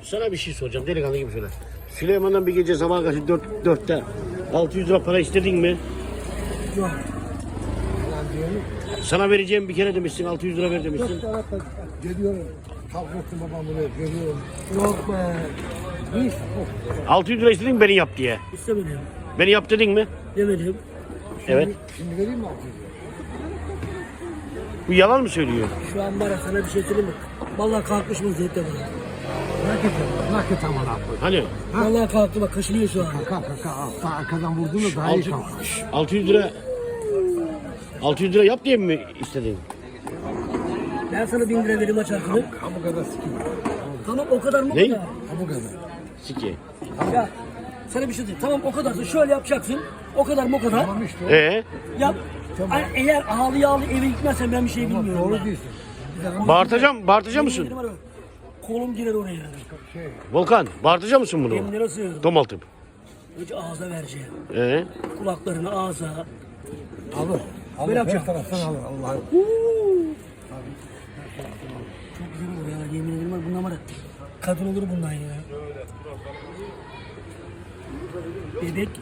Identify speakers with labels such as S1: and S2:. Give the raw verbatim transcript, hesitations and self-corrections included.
S1: Sana bir şey soracağım delikanlı gibi söyle. Süleyman'dan bir gece sabah karşı dört, dörtte altı yüz lira para istedin mi?
S2: Yok.
S1: Sana vereceğim bir kere demişsin, altı yüz lira ver demişsin.
S2: Geliyorum. Kalkmıştım babam buraya. Geliyorum. Yok be. Hiç.
S1: altı yüz lira istedin mi beni yap diye.
S2: İstemedim.
S1: Beni yap dedin mi?
S2: Demedim.
S1: Evet.
S2: Şimdi vereyim mi altı yüz?
S1: Bu yalan mı söylüyor?
S2: Şu an var ya sana bir şey söyleyeyim mi? Vallahi kalkmış vaziyette bana. Nakit, nakit aman abi.
S1: Hani?
S2: Vallahi kalktı bak kaşınıyor şu an.
S3: Kaka kaka altta arkadan vurdun da daha iyi
S1: Altı-
S3: kalkmış.
S1: altı yüz lira altı yüz lira yap diye mi istedin?
S2: Ben sana bin lira vereyim aç arkını.
S3: Ha bu kadar sikim.
S2: Tamam o kadar mı o
S1: Ne?
S2: kadar?
S3: Ha bu kadar.
S1: Siki.
S2: Ya sana bir şey diyeyim. Tamam o kadarsın. Şöyle yapacaksın. O kadar mı o kadar?
S3: Tamam işte o.
S1: Ee,
S2: Yap. Ay, eğer ağlı yağlı eve gitmezsen ben bir şey
S3: Tamam,
S2: bilmiyorum.
S3: doğru
S2: ben.
S3: diyorsun. Bir de
S1: bağırtacağım, bağırtacak mısın?
S2: Yemin ederim var ya, kolum girer oraya.
S3: şey.
S1: Volkan, bağırtacak mısın bunu?
S2: Yemin lira sığırdım.
S1: Domaltıp.
S2: Önce ağza vereceğim.
S1: Ee,
S2: Kulaklarını ağza.
S3: Alır. Alır.
S2: Böyle
S3: Her
S2: yapacağım.
S3: taraftan alır. Allah'ım.
S2: Çok güzel olur ya. Yemin ederim var bundan var ya. Kadın olur bundan ya. Bebek